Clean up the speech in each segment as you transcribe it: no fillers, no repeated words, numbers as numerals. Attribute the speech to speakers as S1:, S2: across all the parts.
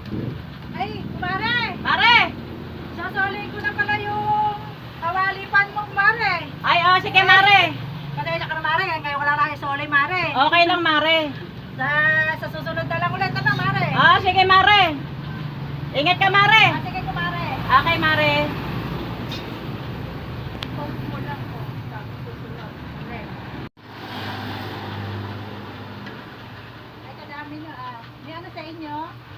S1: Ay, kumare!
S2: Mare!
S1: Sasaling ko na pala yung kawalipan mo, kumare.
S2: Ay, oh, sige, Mare.
S1: Padaya ka na, mare. Ngayon wala na isoli, mare.
S2: Okay lang, Mare.
S1: Sa susunod na lang ulit, ano, mare?
S2: Oh, sige, Mare. Ingat ka, Mare.
S1: Sige, kumare.
S2: Okay, Mare.
S1: Ay, kadami nyo, ah. May ano sa inyo?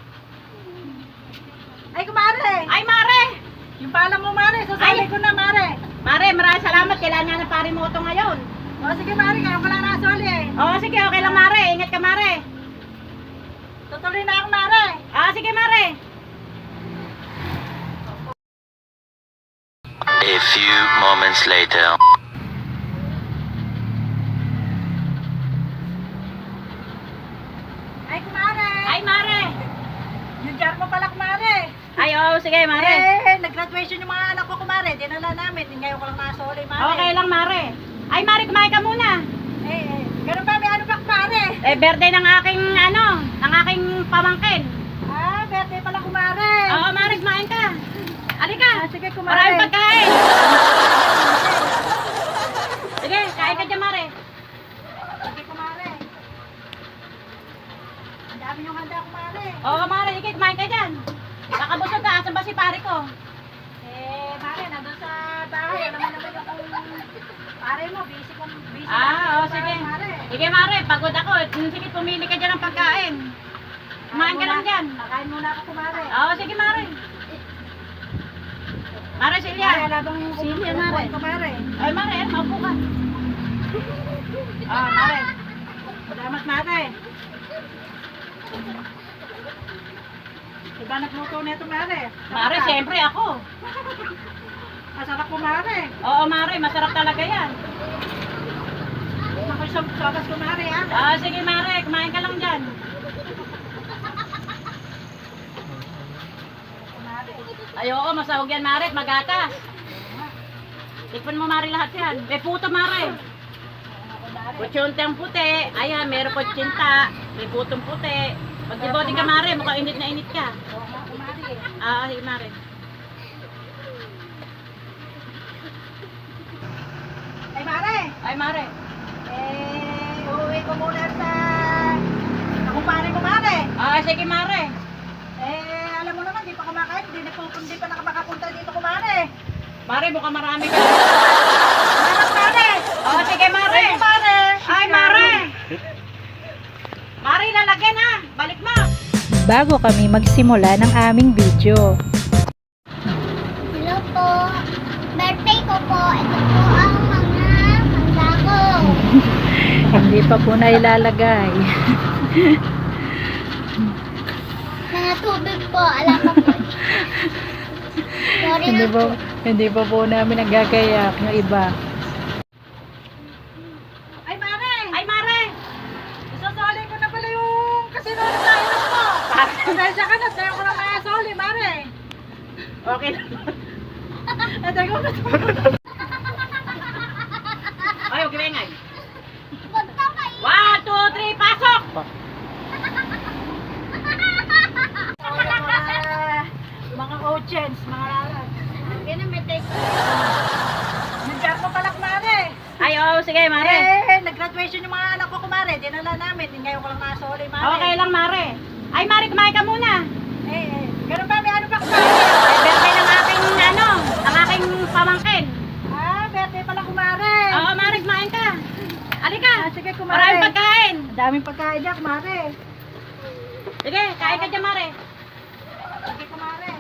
S1: Ay, kumare!
S2: Ay, Mare.
S1: Yung pala mo, mare. Sasali ko na, mare.
S2: Mare, maraming salamat. Kailangan na pari mo ito ngayon.
S1: O, sige, mare. Ngayon ko lang nasoli, eh.
S2: Oh, sige, okay lang, Mare. Ingat ka, Mare.
S1: Tutuloy na ako, mare.
S2: Ah, sige, Mare.
S3: A few moments later.
S1: Ay, kumare.
S2: Ay, Mare.
S1: Yung jar mo pala, kumare.
S2: Ay, oh, sige, Mare.
S1: Nag-graduation yung mga anak ko, kumare. Dinala namin. Ngayon ko lang nasoli, mare.
S2: Okay lang, Mare. Ay, Mare, kumain ka muna.
S1: Ganun ba? May ano ba, kumare?
S2: Eh, birthday ng aking pamangkin.
S1: Ah, birthday pala, kumare.
S2: Oo, Mare, kumain ka. Halika.
S1: Sige, kumare.
S2: Maraming pagkain. Sige, kain ka dyan, Mare.
S1: Sige, kumare. Ang dami yung handa, kumare.
S2: Oo, Mare, sige, kumain ka dyan. Kakabusog ka, asan ba si pare ko?
S1: Mare, nandun sa bahay. Alam mo naman yung pare mo, busy
S2: Ah, oo,
S1: sa
S2: sige.
S1: bahay, mare.
S2: Sige, Mare, pagod ako. Sige, pumili ka dyan ng pagkain. Kumain ka lang dyan.
S1: Kakain muna ako, kumare.
S2: Oo, sige, Mare. Mare, Silya.
S1: Mare, alabang
S2: Silya, Mare.
S1: kumare.
S2: Ay, Mare, maupo ka.
S1: Ah, mare. Salamat, mare. Iba nagluto nito, mare.
S2: Mare, siyempre ako.
S1: Masarap po, mare.
S2: Oo, Mare, masarap talaga yan.
S1: Ako isang sogas ko, mare, ha?
S2: Ah, sige, Mare, kumain ka lang dyan.
S1: Mare.
S2: Ay, oo, masahog yan, Mare, at magatas. Tikpan mo, Mare, lahat yan. May puto, Mare. Kutsuntang puti. Ayan, meron kutsinta. May putong puti. Pag dibodi ka, Mare, mukhang init na init ka.
S1: Oo nga, kumare.
S2: Ah, sige, Mare.
S1: Ay, mare.
S2: Ay, Mare.
S1: Uuwi ko muna sa kumpare ko, mare.
S2: Ah, sige, Mare.
S1: Alam mo naman, di pa kumakain. Hindi pa nakapakapunta dito, kumare.
S2: Mare, mukhang marami ka.
S1: Salamat, mare.
S2: Oh, sige, Mare.
S1: Ay, mare.
S2: Ay, Mare. Mare, lalagyan ha. Balik mo.
S4: Bago kami magsimula ng aming video.
S5: Hello po. Birthday ko po. Ito po ang mga handa ko.
S4: Hindi pa po na ilalagay.
S5: Mga tubig po. Alam mo po. Sorry na po.
S4: Hindi pa po namin nagagayak yung iba.
S1: Ay, mare.
S2: Ay, Mare.
S1: Isasali ko na pala yung kasinunod na inom ko. Pasensya ka na. Tayo ko na makasali, mare.
S2: Okay.
S1: Tayo ko na.
S2: Ay, okay, ingay.
S5: Huwag ka kayo.
S2: 1, 2, 3, pasok!
S1: Mga audience, mga lalat.
S5: Yan ang may take.
S1: Yung jar mo pala, kumare.
S2: Ay, oo, sige, Mare.
S1: Nag-graduation yung mga anak ko, kumare. Dinala namin. Ngayon ko lang nasoli, mare.
S2: Okay lang, Mare. Ay, Mare, kumain ka muna.
S1: Ganun ba? May ano ba, kumare?
S2: Ay, birthday ng aking pamangkin.
S1: Ah, birthday pala, kumare.
S2: Oo, Mare, kumain ka. Halika.
S1: Sige, kumare.
S2: Maraming pagkain.
S1: Ang daming pagkain dyan, kumare.
S2: Sige, kain ka dyan, Mare.
S1: Sige, kumare.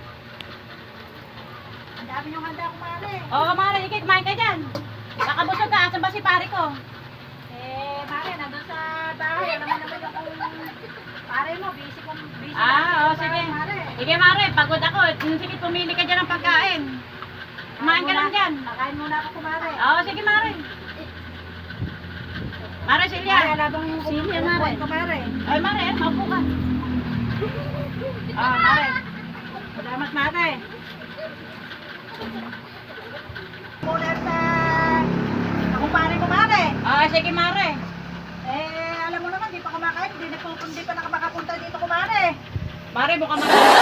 S1: Ang dami yung handa, kumare.
S2: Oo, Mare, sige, kumain ka dyan. Kakabusog ka, asan ba si pare ko?
S1: Mare, nandun sa bahay. Alam mo naman yung pare mo, busy.
S2: Ah, oo, sige.
S1: Mare.
S2: Sige, Mare, pagod ako. Sige, pumili ka dyan ng pagkain. Kumain ka lang dyan.
S1: Kakain muna ako, kumare.
S2: Oo, sige, Mare. Mare, Silya.
S1: Mare, alabang
S2: Silya, Mare.
S1: kumare.
S2: Ay, Mare, maupo ka.
S1: Ah, mare. Salamat, mare. Muna sa kumpare ko, mare.
S2: Ah, sige, Mare.
S1: Alam mo naman, di pa kumakain. Hindi pa nakapakapunta dito, kumare.
S2: Mare, Mare, mukhang maganda.